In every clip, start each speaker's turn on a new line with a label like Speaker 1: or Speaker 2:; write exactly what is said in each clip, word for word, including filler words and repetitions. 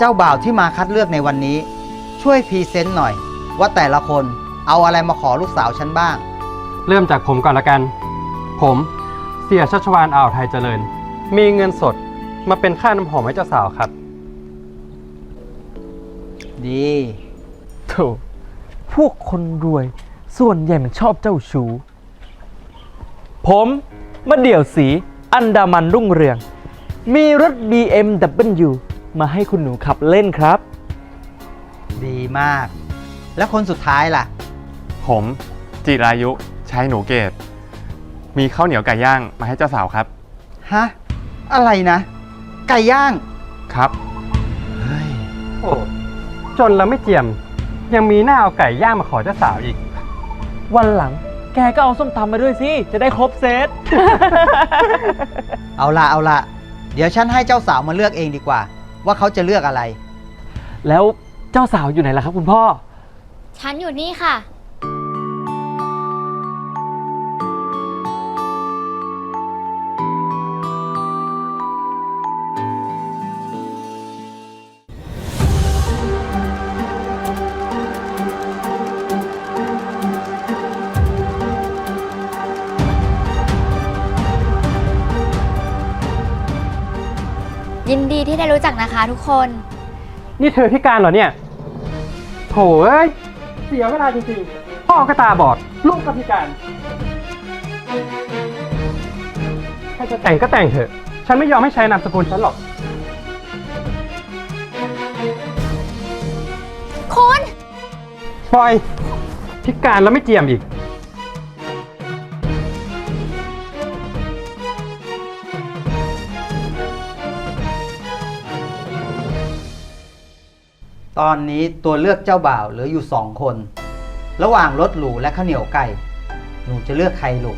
Speaker 1: เจ้าบ่าวที่มาคัดเลือกในวันนี้ ช่วยพรีเซนต์หน่อย ว่าแต่ละคนเอาอะไรมาขอลูกสาวฉันบ้าง
Speaker 2: เริ่มจากผมก่อนละกัน ผมเสียชัชวาลอ่าวไทยเจริญ มีเงินสดมาเป็นค่าน้ำหอมให้เจ้าสาวครับ
Speaker 1: ดี
Speaker 3: โถพวกคนรวยส่วนใหญ่มันชอบเจ้าชู้ผมมาเดี่ยวสีอันดามันรุ่งเรือง มีรถ บี เอ็ม ดับเบิลยู มาให้คุณหนูขับเล่นครับ
Speaker 1: ดีมาก แล้วคนสุดท้ายล่ะ
Speaker 4: ผมจิรายุชายหนูเกตมีข้าวเหนียวไก่ย่างมาให้เจ้าสาวครับ
Speaker 1: ฮะ อะไรนะ ไก่ย่าง
Speaker 4: ครับ
Speaker 1: เฮ้ย
Speaker 2: โอ้จนแล้วไม่เจียม ยังมีหน้าเอาไก่ย่างมาขอเจ้าสาวอีก
Speaker 3: วันหลังแกก็เอาส้มตำมาด้วยสิ จะได้ครบเซต
Speaker 1: เอาละเอาละเดี๋ยวฉันให้เจ้าสาวมาเลือกเองดีกว่า ว่าเขาจะเลือกอะไร
Speaker 3: แล้วเจ้าสาวอยู่ไหนล่ะครับคุณพ่อ
Speaker 5: ฉันอยู่นี่ค่ะ ยินดีที่ได้รู้จักนะคะทุกคน
Speaker 2: นี่เธอพิการเหรอเนี่ยโถเอ้ย เสียเวลาจริงๆ พ่อก็ตาบอด ลูกก็พิการถ้าจะแต่งก็แต่งเถอะ ฉันไม่ยอมให้ใช้นามสกุลฉันหรอก
Speaker 5: คุณ
Speaker 2: ปล่อย พิการแล้วไม่เจียมอีก
Speaker 1: ตอนนี้ตัวเลือกเจ้าบ่าวเหลืออยู่สองคน ระหว่างรถหรูและข้าวเหนียวไก่ หนูจะเลือกใครลูก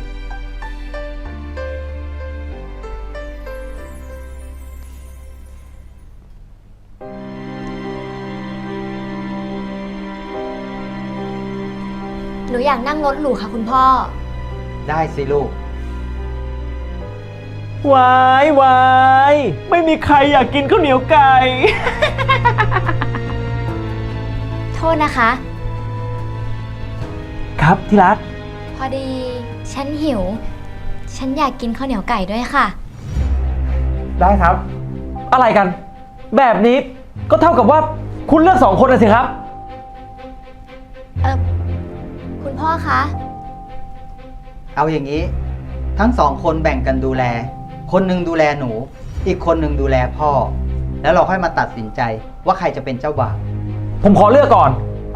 Speaker 5: หนูอยากนั่งรถหรูค่ะคุณพ่อ
Speaker 1: ได้สิลูก
Speaker 3: วายวายไม่มีใครอยากกินข้าวเหนียวไก่
Speaker 5: โทษนะคะ
Speaker 3: ครับที่รัก
Speaker 5: พอดี ฉันหิว ฉันอยากกินข้าวเหนียวไก่ด้วยค่ะ
Speaker 4: ได้ครับ
Speaker 3: อะไรกัน แบบนี้ก็เท่ากับว่าคุณเลือกสองคนนะสิครับ
Speaker 5: เออคุณพ่อคะ
Speaker 1: เอาอย่างนี้ ทั้งสองคนแบ่งกันดูแล คนหนึ่งดูแลหนู อีกคนหนึ่งดูแลพ่อ แล้วเราค่อยมาตัดสินใจว่าใครจะเป็นเจ้าบ่าว
Speaker 3: ผมขอเลือกก่อน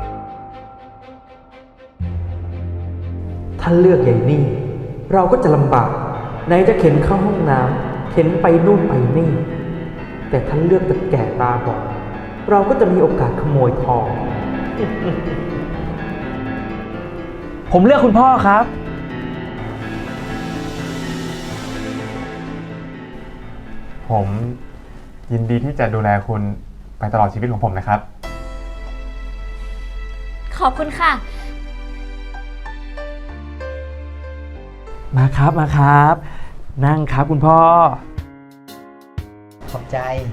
Speaker 3: ถ้าเลือกอย่างนี้ เราก็จะลำบากไหนจะเข็นเข้าห้องน้ำเข็นไปนู่นไปนี่ แต่ถ้าเลือกตะแก่ตาบอดเราก็จะมีโอกาสขโมยทอง ผมเลือกคุณพ่อครับ
Speaker 4: ผมยินดีที่จะดูแลคุณไปตลอดชีวิตของผมนะครับ
Speaker 5: ขอบคุณค่ะ
Speaker 3: มาครับมาครับ นั่งครับคุณพ่อ
Speaker 1: ขอบใจ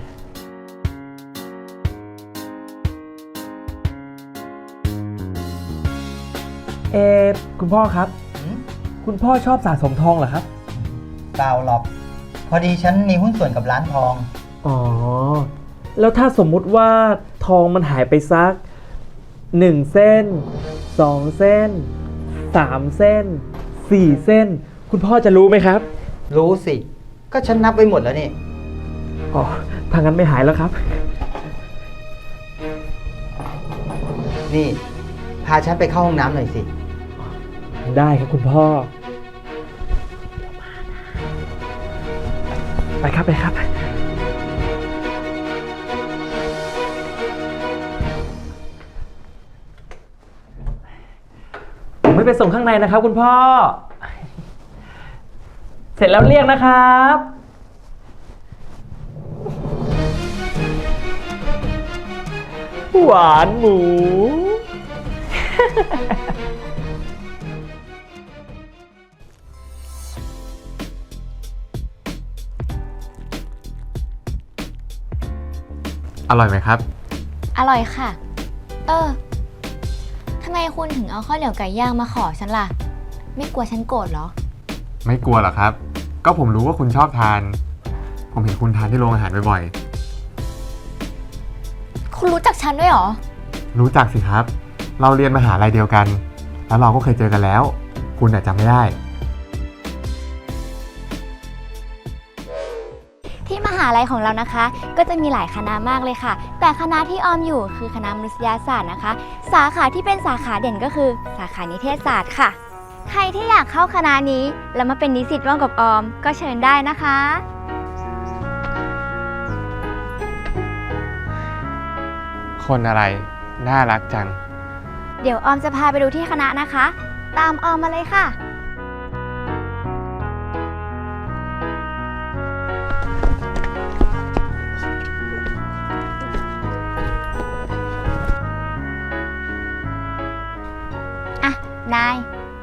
Speaker 3: เออคุณพ่อครับ
Speaker 1: หืม
Speaker 3: คุณพ่อชอบสะสมทองเหรอครับ
Speaker 1: เปล่าหรอก พอดีฉันมีหุ้นส่วนกับร้านทอง
Speaker 3: อ๋อ แล้วถ้าสมมุติว่าทองมันหายไปสักหนึ่งเส้นสองเส้นสามเส้นสี่เส้น คุณพ่อจะรู้ไหมครับ
Speaker 1: รู้สิ ก็ฉันนับไว้หมดแล้วนี่
Speaker 3: อ๋อทางนั้นไม่หายแล้วครับ
Speaker 1: นี่ พาฉันไปเข้าห้องน้ำหน่อยสิ
Speaker 3: ได้ครับคุณพ่อ ไปครับไปครับ ผมไม่ไปส่งข้างในนะครับคุณพ่อ เสร็จแล้วเรียกนะครับ หวานหมู
Speaker 4: อร่อยไหมครับ
Speaker 5: อร่อยค่ะ เออทำไมคุณถึงเอาข้าวเหนียวไก่ย่างมาขอฉันล่ะ ไม่กลัวฉันโกรธเหรอ
Speaker 4: ไม่กลัวหรอกครับ ก็ผมรู้ว่าคุณชอบทาน ผมเห็นคุณทานที่โรงอาหารบ่อย
Speaker 5: คุณรู้จักฉันด้วยเหรอ
Speaker 4: ๆ รู้จักสิครับ เราเรียนมหาลัยเดียวกัน แล้วเราก็เคยเจอกันแล้ว คุณอาจจำไม่ได้
Speaker 5: ที่มหาลัยของเรานะคะ ก็จะมีหลายคณะมากเลยค่ะ แต่คณะที่ออมอยู่คือคณะมนุษยศาสตร์นะคะ สาขาที่เป็นสาขาเด่นก็คือสาขานิเทศศาสตร์ค่ะ ใครที่อยากเข้าคณะนี้แล้วมาเป็นนิสิตร่วมกับออมก็เชิญได้นะคะ
Speaker 4: คนอะไร น่ารักจัง
Speaker 5: เดี๋ยวออมจะพาไปดูที่คณะนะคะ ตามออมมาเลยค่ะ อ่ะ นาย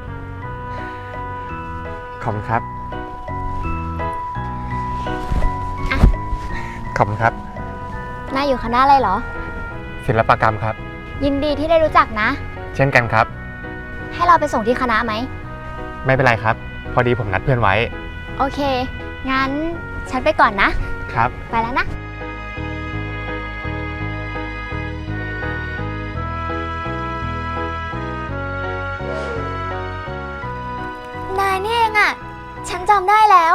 Speaker 4: ขอบคุณครับ
Speaker 5: อ่ะ
Speaker 4: ขอบคุณครับ
Speaker 5: นายอยู่คณะอะไรเหรอ
Speaker 4: ศิลปกรรมครับ
Speaker 5: ยินดีที่ได้รู้จักนะ
Speaker 4: เช่นกันครับ
Speaker 5: ให้เราไปส่งที่คณะไหม
Speaker 4: ไม่เป็นไรครับ พอดีผมนัดเพื่อนไว้
Speaker 5: โอเค งั้นฉันไปก่อนนะ
Speaker 4: ครับ
Speaker 5: ไปแล้วนะ นายนี่เองอะฉันจำได้แล้ว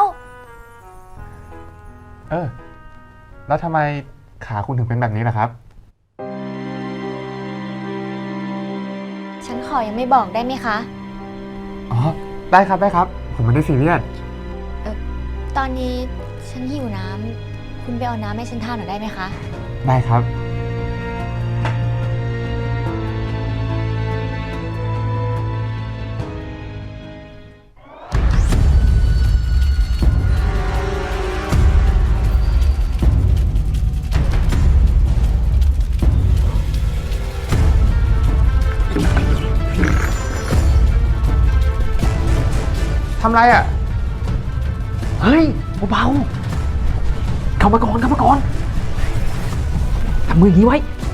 Speaker 4: เออ แล้วทำไมขาคุณถึงเป็นแบบนี้ล่ะครับ
Speaker 5: ฉันขอยังไม่บอกได้ไหมคะ
Speaker 4: อ๋อ ได้ครับได้ครับ ผมไม่ได้ซีเรียส
Speaker 5: ตอนนี้ฉันหิวน้ำ คุณไปเอาน้ำให้ฉันทานหน่อยได้ไหมคะ
Speaker 4: ได้ครับ ทำไรอ่ะ
Speaker 3: เฮ้ยเบาๆเข้ามาก่อนเข้ามาก่อนทำมืออย่างนี้ไว้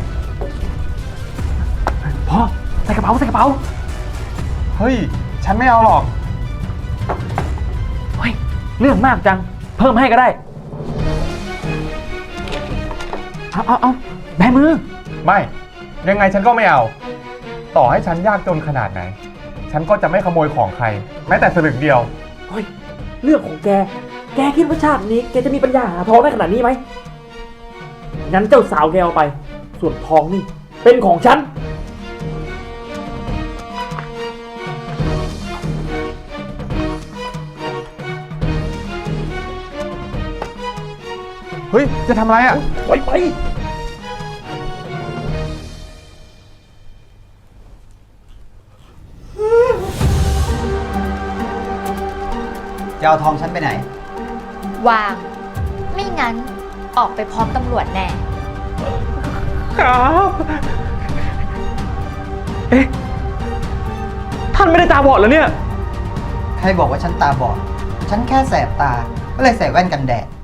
Speaker 3: พอใส่กระเป๋าใส่กระเป๋า
Speaker 4: เฮ้ย ฉันไม่เอาหรอก
Speaker 3: เฮ้ย เรื่องมากจัง เพิ่มให้ก็ได้ เอาเอาเอาแบมือ
Speaker 4: ไม่ ยังไงฉันก็ไม่เอา ต่อให้ฉันยากจนขนาดไหน ฉันก็จะไม่ขโมยของใคร แม้แต่สลึงเดียว
Speaker 3: เฮ้ย เรื่องของแก แกคิดว่าชาตินี้แกจะมีปัญญาหาทองได้ขนาดนี้ไหม งั้นเจ้าสาวแกเอาไป ส่วนทองนี่ เป็นของฉัน
Speaker 4: เฮ้ย จะทำอะไรอ่ะ
Speaker 3: ปล่อยไป
Speaker 1: จะเอาทองฉันไปไหน
Speaker 5: วาง ไม่งั้นออกไปพร้อมตำรวจแน่
Speaker 3: ครับ เอ๊ะ ท่านไม่ได้ตาบอดเหรอเนี่ย
Speaker 1: ใครบอกว่าฉันตาบอด ฉันแค่แสบตา ก็เลยใส่แว่นกันแดด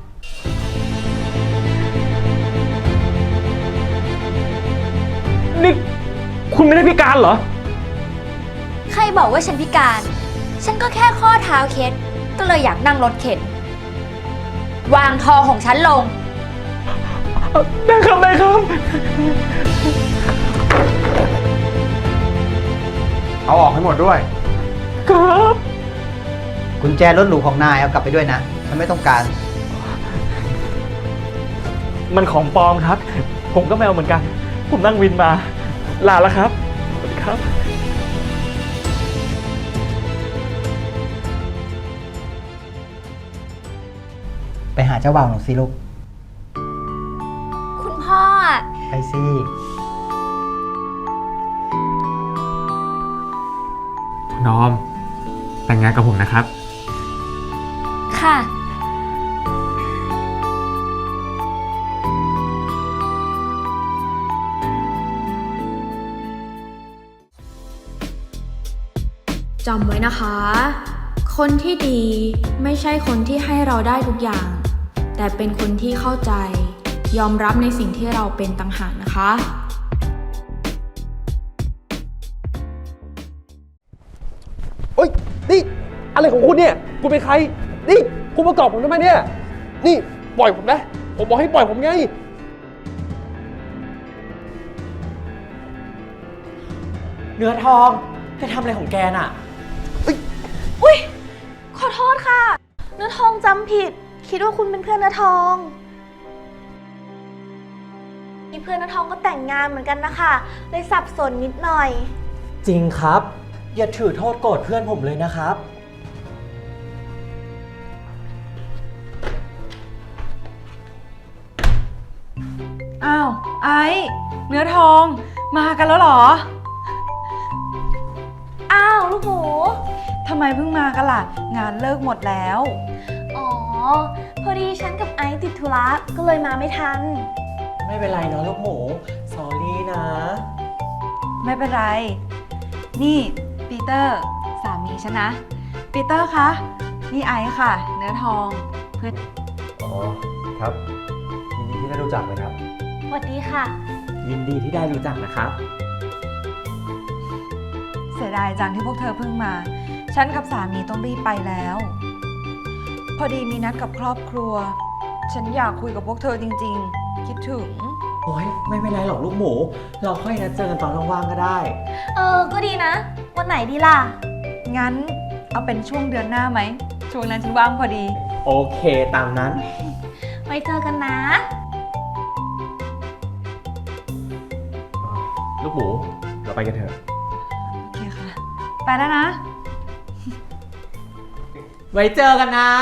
Speaker 3: นี่ คุณไม่ได้พิการเหรอ
Speaker 5: ใครบอกว่าฉันพิการ ฉันก็แค่ข้อเท้าเคล็ด ก็เลยอยากนั่งรถเข็น วางทองของฉันลง
Speaker 3: ได้ครับได้ครับ
Speaker 4: เอาออกให้หมดด้วย
Speaker 3: ครับ
Speaker 1: กุญแจรถหรูของนายเอากลับไปด้วยนะ ฉันไม่ต้องการ
Speaker 3: มันของปลอมครับ ผมก็ไม่เอาเหมือนกัน ผมนั่งวินมา ลาแล้วครับ สวัสดีครับ
Speaker 1: ไปหาเจ้าบ่าวหนูสิลูก
Speaker 5: คุณพ่ออะ
Speaker 1: ไปสิ
Speaker 4: น้อม แต่งงานกับผมนะครับ
Speaker 5: ค่ะ
Speaker 6: จำไว้นะคะ คนที่ดีไม่ใช่คนที่ให้เราได้ทุกอย่าง แต่เป็นคนที่เข้าใจยอมรับในสิ่งที่เราเป็นต่างหากนะคะ
Speaker 7: เฮ้ย นี่ อะไรของคุณเนี่ย คุณเป็นใคร นี่ คุณประกอบผมทำไมเนี่ย นี่ ปล่อยผมนะ ผมบอกให้ปล่อยผมไง
Speaker 3: เนื้อทองแกทำอะไรของแกน่ะ
Speaker 8: อุ้ยขอโทษค่ะ เนื้อทองจำผิด คิดว่าคุณเป็นเพื่อนเนื้อทองมีเพื่อนเนื้อทองก็แต่งงานเหมือนกันนะคะเลยสับสนนิดหน่อย
Speaker 3: จริงครับ อย่าถือโทษโกรธเพื่อนผมเลยนะครับ
Speaker 9: อ้าว ไอ้เนื้อทองมากันแล้วเหรอ
Speaker 8: อ้าวลูกหมู
Speaker 9: ทำไมเพิ่งมากันล่ะ งานเลิกหมดแล้ว
Speaker 8: อ๋อ พอดีฉันกับไอซ์ติดธุระก็เลยมาไม่ทัน
Speaker 3: ไม่เป็นไรเนาะลูกหมู สอรี่นะ
Speaker 9: ไม่เป็นไร นี่ปีเตอร์สามีฉันนะ ปีเตอร์คะ นี่ไอซ์ค่ะ เนื้อทองเพื่อน
Speaker 7: อ๋อ ครับ ยินดีที่ได้รู้จักนะครับ
Speaker 8: สวัสดีค่ะ
Speaker 3: ยินดีที่ได้รู้จักนะครับ
Speaker 9: เสียดายจังที่พวกเธอเพิ่งมา ฉันกับสามีต้องรีบไปแล้ว พอดีมีนัดกับครอบครัว ฉันอยากคุยกับพวกเธอจริงๆ คิดถึง
Speaker 3: โอ้ยไม่เป็นไรหรอกลูกหมู เราค่อยนัดเจอกันตอนว่างๆก็ได้
Speaker 8: เออ ก็ดีนะ วันไหนดีล่ะ
Speaker 9: งั้นเอาเป็นช่วงเดือนหน้าไหม ช่วงนั้นฉันว่างพอดี
Speaker 3: โอเคตามนั้น
Speaker 8: ไว้เจอกันนะ
Speaker 7: ลูกหมู เราไปกันเถอะ
Speaker 9: โอเคค่ะ ไปแล้วนะ
Speaker 3: ไว้เจอกันนะ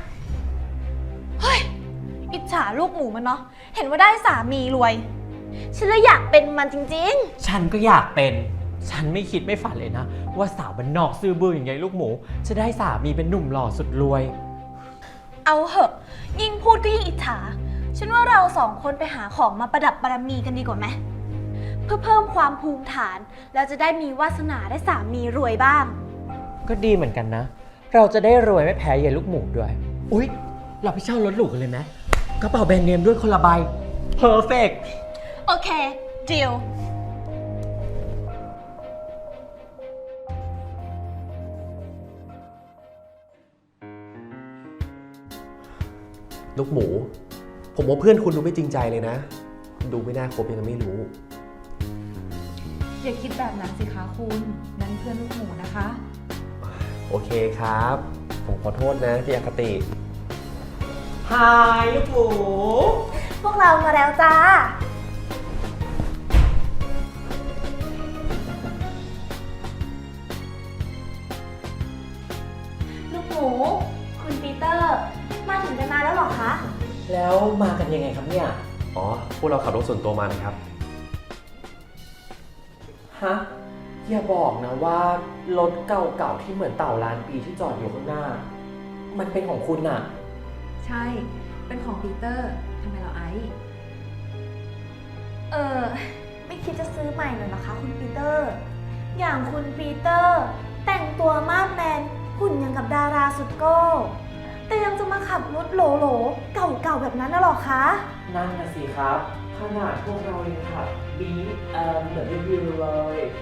Speaker 8: อิจฉาลูกหมูมันเนาะ เห็นว่าได้สามีรวย ฉันเลยอยากเป็นมันจริง
Speaker 3: ฉันก็อยากเป็น ฉันไม่คิดไม่ฝันเลยนะ ว่าสาวบ้านนอกซื่อบื้ออย่างไงลูกหมู จะได้สามีเป็นหนุ่มหล่อสุดรวย
Speaker 8: ๆ เอาเหอะ ยิ่งพูดก็ยิ่งอิจฉา ฉันว่าเราสองคนไปหาของมาประดับบารมีกันดีกว่าไหม เพื่อเพิ่มความภูมิฐาน แล้วจะได้มีวาสนาได้สามีรวยบ้าง
Speaker 3: ก็ดีเหมือนกันนะ เราจะได้รวยไม่แพ้ยายลูกหมูด้วย อุ๊ย เราไปเช่ารถหรูกันเลยไหมกระเป๋าแบรนด์เนมด้วยคนละใบ perfect
Speaker 8: โอเค ดีล
Speaker 7: ลูกหมู ผมว่าเพื่อนคุณดูไม่จริงใจเลยนะ ดูไม่น่าคบยังไงไม่รู้
Speaker 9: อย่าคิดแบบนั้นสิคะคุณ นั่นเพื่อนลูกหมูนะคะ
Speaker 7: โอเคครับ ผมขอโทษนะที่อคติ
Speaker 3: ฮายลูกหมู
Speaker 8: พวกเรามาแล้วจ้า ลูกหมู คุณปีเตอร์ มาถึงกันนานแล้วเหรอคะ
Speaker 3: แล้วมากันยังไงครับเนี่ย
Speaker 7: อ๋อ พวกเราขับรถส่วนตัวมานะครับ
Speaker 3: ฮะ อย่าบอกนะว่ารถเก่าๆที่เหมือนเต่าล้านปีที่จอดอยู่ข้างหน้า มันเป็นของคุณน่ะ
Speaker 9: ใช่ เป็นของปีเตอร์ทำไมเราไอซ์
Speaker 8: เออ ไม่คิดจะซื้อใหม่หน่อยนะคะคุณปีเตอร์ อย่างคุณปีเตอร์ แต่งตัวมาดแมนหุ่นอย่างกับดาราสุดโก้ แต่ยังจะมาขับรถโหลๆ เก่าๆแบบนั้นน่ะหรอคะ
Speaker 3: นั่นน่ะสิครับ ขนาดพวกเรายังขับบีเอ่อเหมือนรีวิวเลย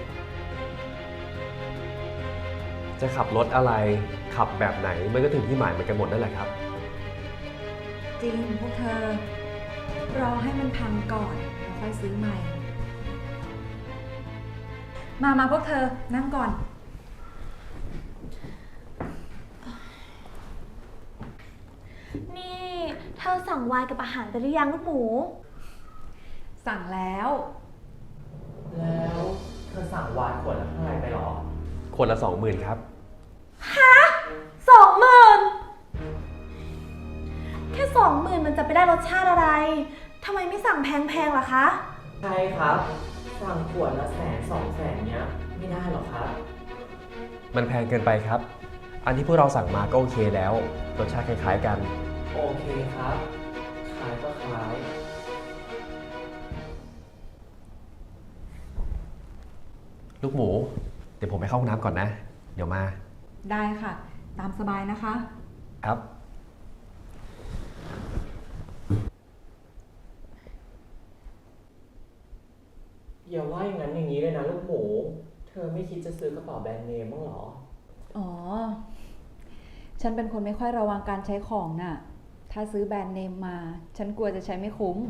Speaker 7: จะขับรถอะไร ขับแบบไหน มันก็ถึงที่หมายเหมือนกันหมดนั่นแหละครับ
Speaker 9: จริงพวกเธอ รอให้มันพังก่อนแล้วค่อยซื้อใหม่ มามาพวกเธอ นั่งก่อน
Speaker 8: นี่เธอสั่งไวน์กับอาหารไปหรือยังลูกหมู
Speaker 9: สั่งแล้ว
Speaker 3: แล้วเธอสั่งวายขวดละเท่าไหร่ไปหรอ
Speaker 7: คนละสองหมื่นครับ
Speaker 8: สองหมื่นแค่สองหมื่นมันจะไปได้รสชาติอะไร ทำไมไม่สั่งแพงๆล่ะคะ
Speaker 3: ใช่ครับ สั่งขวดละแสนสองแสนเนี้ย ไม่ได้หรอกครับ
Speaker 7: มันแพงเกินไปครับ อันที่พวกเราสั่งมาก็โอเคแล้ว รสชาติคล้ายๆกัน
Speaker 3: โอเคครับ ขายก็ขาย
Speaker 7: ลูกหมู เดี๋ยวผมไปเข้าห้องน้ำก่อนนะ เดี๋ยวมา
Speaker 9: ได้ค่ะ ตามสบายนะคะ
Speaker 7: ครับ
Speaker 10: อย่าว่าอย่างนั้นอย่างนี้เลยนะลูกหมู เธอไม่คิดจะซื้อกระเป๋าแบรนด์เนมบ้างเหรอ
Speaker 9: อ๋อ ฉันเป็นคนไม่ค่อยระวังการใช้ของน่ะ ถ้าซื้อแบรนด์เนมมา ฉันกลัวจะใช้ไม่คุ้ม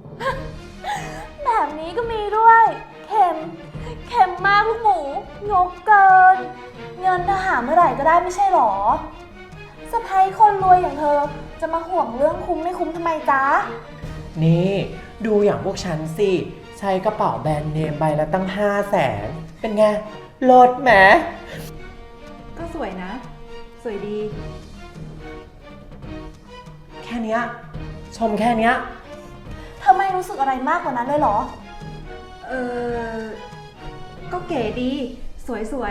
Speaker 8: แบบนี้ก็มีด้วย เข็ม เข็มมากลูกหมูงกเกิน เงินทหารเมื่อไหร่ก็ได้ไม่ใช่หรอสะใภ้คนรวยอย่างเธอจะมาห่วงเรื่องคุ้มไม่คุ้มทำไมจ๊ะ
Speaker 10: นี่ดูอย่างพวกฉันสิ ใช้กระเป๋าแบรนด์เนมใบละตั้งห้าแสน เป็นไงลดแหม
Speaker 9: ก็สวยนะ สวยดี
Speaker 10: แค่เนี้ยชมแค่เนี้ย
Speaker 8: เธอไม่รู้สึกอะไรมากกว่านั้นเลยเหรอ
Speaker 9: เออ ก็เก๋ดี สวยสวย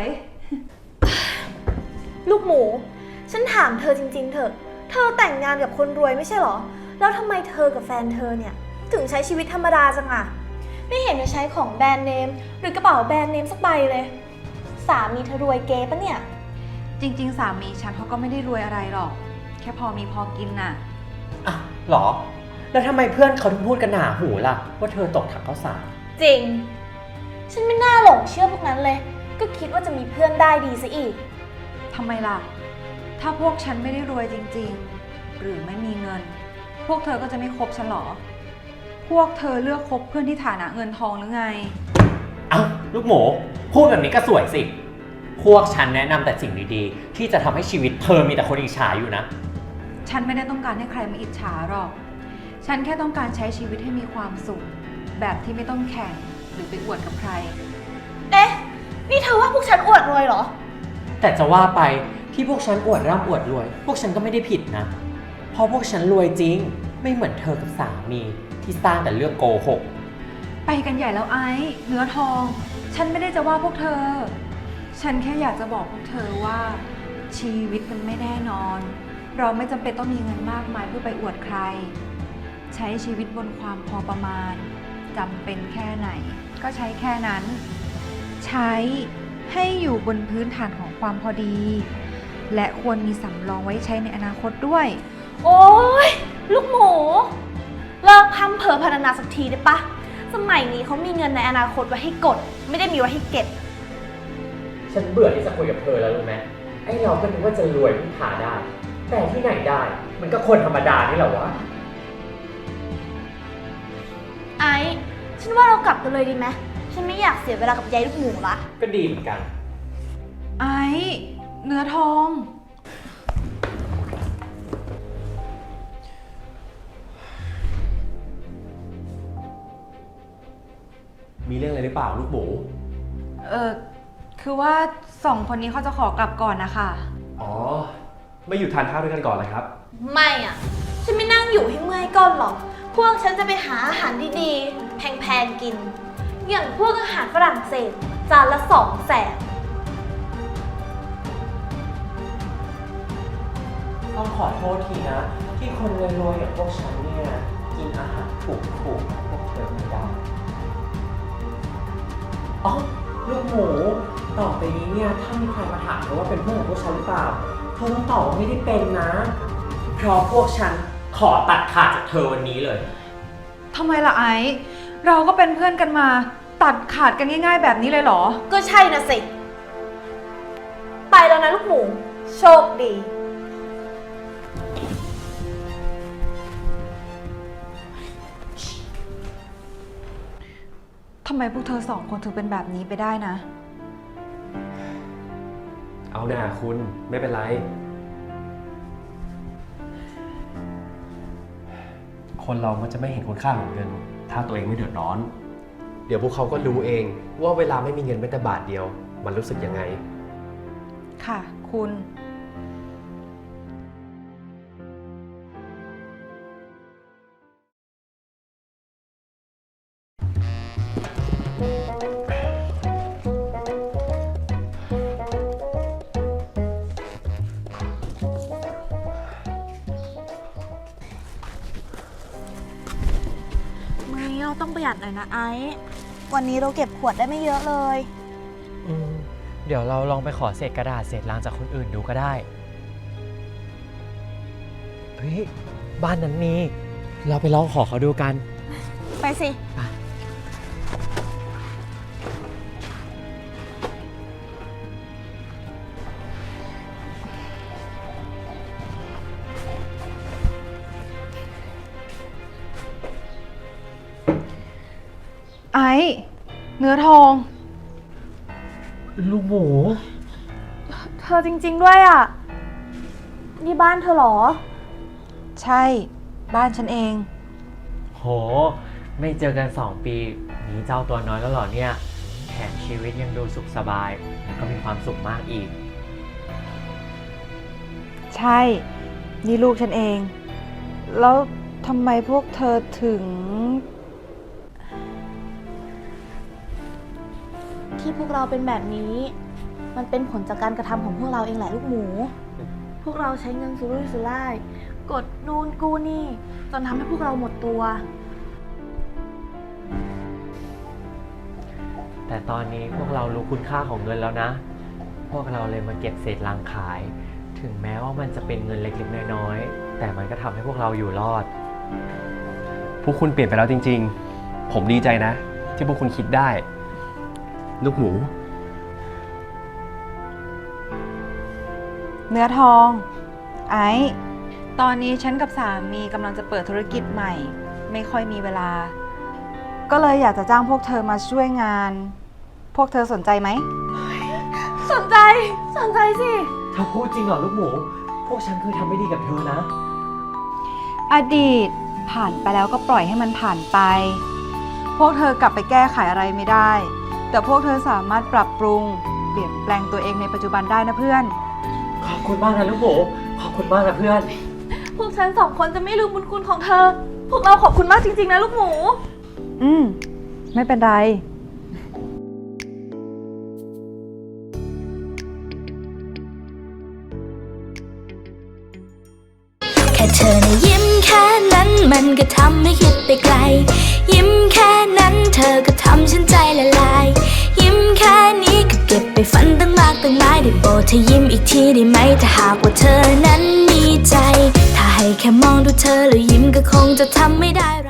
Speaker 8: ลูกหมู ฉันถามเธอจริงๆเถอะ เธอแต่งงานกับคนรวยไม่ใช่เหรอ แล้วทำไมเธอกับแฟนเธอเนี่ยถึงใช้ชีวิตธรรมดาจังอะไม่เห็นจะใช้ของแบรนด์เนมหรือกระเป๋าแบรนด์เนมสักใบเลย สามีเธอรวยเก๋ปะเนี่ย
Speaker 9: จริง ๆ สามีฉันเขาก็ไม่ได้รวยอะไรหรอก แค่พอมีพอกินน่ะ
Speaker 10: อ่ะหรอ แล้วทำไมเพื่อนเขาถึงพูดกันหนาหูล่ะ ว่าเธอตกถังข้าวสาร
Speaker 8: จริง ฉันไม่น่าหลงเชื่อพวกนั้นเลย ก็คิดว่าจะมีเพื่อนได้ดีซะอีก
Speaker 9: ทำไมล่ะ ถ้าพวกฉันไม่ได้รวยจริงๆ หรือไม่มีเงิน พวกเธอก็จะไม่คบฉันหรอ พวกเธอเลือกคบเพื่อนที่ฐานะเงินทองหรือไง
Speaker 10: เอ้าลูกหมู พูดแบบนี้ก็สวยสิ พวกฉันแนะนำแต่สิ่งดีๆ ที่จะทำให้ชีวิตเธอมีแต่คนอิจฉาอยู่นะ
Speaker 9: ฉันไม่ได้ต้องการให้ใครมาอิจฉาหรอก ฉันแค่ต้องการใช้ชีวิตให้มีความสุข แบบที่ไม่ต้องแข่งหรือไปอวดกับใคร
Speaker 8: เอ๊ะ นี่เธอว่าพวกฉันอวดรวยเหรอ
Speaker 10: แต่จะว่าไปที่พวกฉันอวดร่ำอวดรวย พวกฉันก็ไม่ได้ผิดนะ เพราะพวกฉันรวยจริง ไม่เหมือนเธอกับสามีที่สร้างแต่เรื่องโกหก
Speaker 9: ไปกันใหญ่แล้วไอ้เนื้อทอง ฉันไม่ได้จะว่าพวกเธอ ฉันแค่อยากจะบอกพวกเธอว่า ชีวิตมันไม่แน่นอน เราไม่จำเป็นต้องมีเงินมากมายเพื่อไปอวดใคร ใช้ชีวิตบนความพอประมาณจำเป็นแค่ไหน ก็ใช้แค่นั้น ใช้ให้อยู่บนพื้นฐานของความพอดี และควรมีสำรองไว้ใช้ในอนาคตด้วย
Speaker 8: โอ๊ย ลูกหมู เลิกพัมเพอพรรณนาสักทีได้ปะ สมัยนี้เขามีเงินในอนาคตไว้ให้กด ไม่ได้มีไว้ให้เก็บ
Speaker 10: ฉันเบื่อที่จะคุยกับเธอแล้วรู้ไหมไอ้เราก็นึกว่าจะรวยพึ่งพาได้ แต่ที่ไหนได้ มันก็คนธรรมดานี่แหละวะ
Speaker 8: ไอ้ ฉันว่าเรากลับกันเลยดีไหม ฉันไม่อยากเสียเวลากับยายลูกหมูละ
Speaker 10: ก็ดีเหมือนกัน
Speaker 9: ไอ้เนื้อทอง
Speaker 7: มีเรื่องอะไรหรือเปล่าลูกหมู
Speaker 9: เออคือว่าสองคนนี้เขาจะขอกลับก่อนนะคะ
Speaker 7: อ๋อ ไม่อยู่ทานข้าวด้วยกันก่อนเลยครับ
Speaker 8: ไม่อ่ะ ฉันไม่นั่งอยู่ให้เมื่อยก้นหรอก พวกฉันจะไปหาอาหารดีๆ แพงๆกิน อย่างพวกอาหารฝรั่งเศส จานละสองแสน
Speaker 10: ต้องขอโทษทีนะ ที่คนรวยๆอย่างพวกฉันเนี่ยกินอาหารถูกๆพวกเธอไม่ได้อ๋อลูกหมูต่อไปนี้เนี่ยถ้ามีใครมาถามเธอว่าเป็นเพื่อนของพวกฉันหรือเปล่าเธอต้องตอบว่าไม่ได้เป็นนะ เพราะพวกฉันขอตัดขาดจากเธอวันนี้เลย
Speaker 9: ทำไมล่ะไอ้ เราก็เป็นเพื่อนกันมา ตัดขาดกันง่ายๆแบบนี้เลยเหรอ
Speaker 8: ก็ใช่นะสิ ไปแล้วนะลูกหมู โชคดี
Speaker 9: ทำไมพวกเธอสองคนถึงเป็นแบบนี้ไปได้นะ
Speaker 7: เอาหน่าคุณไม่เป็นไร คนเรามันจะไม่เห็นคุณค่าของเงิน ถ้าตัวเองไม่เดือดร้อน เดี๋ยวพวกเขาก็รู้เองว่าเวลาไม่มีเงินแม้แต่บาทเดียว มันรู้สึกยังไง
Speaker 9: ค่ะ คุณ
Speaker 8: มื้อนี้เราต้องประหยัดหน่อยนะไอ้ วันนี้เราเก็บขวดได้ไม่เยอะเลย
Speaker 10: อืมเดี๋ยวเราลองไปขอเศษกระดาษเศษลังจากคนอื่นดูก็ได้ เฮ้ย บ้านนั้นมี เราไปลองขอเขาดูกัน
Speaker 8: ไปสิ
Speaker 9: ไอ้ เนื้อทอง
Speaker 3: ลูกหมู
Speaker 8: เธอจริงๆด้วยอ่ะ นี่บ้านเธอเหรอ
Speaker 9: ใช่ บ้านฉันเอง
Speaker 10: โห ไม่เจอกันสองปีหนีเจ้าตัวน้อยแล้วเหรอเนี่ย แถมชีวิตยังดูสุขสบาย แล้วก็มีความสุขมากอีก
Speaker 9: ใช่ นี่ลูกฉันเอง แล้วทำไมพวกเธอถึง
Speaker 8: ที่พวกเราเป็นแบบนี้ มันเป็นผลจากการกระทำของพวกเราเองแหละลูกหมู พวกเราใช้เงินสุรุ่ยสุร่าย กดนูนกู้หนี่จนทำให้พวกเราหมดตัว
Speaker 10: แต่ตอนนี้พวกเรารู้คุณค่าของเงินแล้วนะ พวกเราเลยมาเก็บเศษลังขาย ถึงแม้ว่ามันจะเป็นเงินเล็กๆน้อยๆ แต่มันก็ทำให้พวกเราอยู่รอด
Speaker 7: พวกคุณเปลี่ยนไปแล้วจริงๆ ผมดีใจนะ ที่พวกคุณคิดได้ ลูกหมู
Speaker 9: เนื้อทอง ไอ้ ตอนนี้ฉันกับสามีกำลังจะเปิดธุรกิจใหม่ ไม่ค่อยมีเวลา ก็เลยอยากจะจ้างพวกเธอมาช่วยงาน พวกเธอสนใจไหม
Speaker 8: สนใจ สนใจสิ
Speaker 10: เธอพูดจริงเหรอลูกหมู พวกฉันเคยทำไม่ดีกับเธอนะ
Speaker 9: อดีตผ่านไปแล้วก็ปล่อยให้มันผ่านไป พวกเธอกลับไปแก้ไขอะไรไม่ได้ แต่พวกเธอสามารถปรับปรุง เปลี่ยนแปลงตัวเองในปัจจุบันได้นะเพื่อน
Speaker 10: ขอบคุณมากนะลูกหมู ขอบคุณมากนะเพื่อน
Speaker 8: พวกฉันสองคนจะไม่ลืมบุญคุณของเธอ พวกเราขอบคุณมากจริงๆนะลูกหมู
Speaker 9: อืม ไม่เป็นไร
Speaker 11: แค่เธอนะยิ้มแค่นั้นมันก็ทำให้คิดไปไกล ยิ้มแค่นั้นเธอก็ทำฉันใจละลาย ยิ้มแค่นี้ก็เก็บไปฝันตั้งมากตั้งหลายได้โปรดเธอยิ้มอีกทีได้ไหมถ้าหากว่าเธอนั้นมีใจ ถ้าให้แค่มองดูเธอแล้วยิ้มก็คงจะทำไม่ได้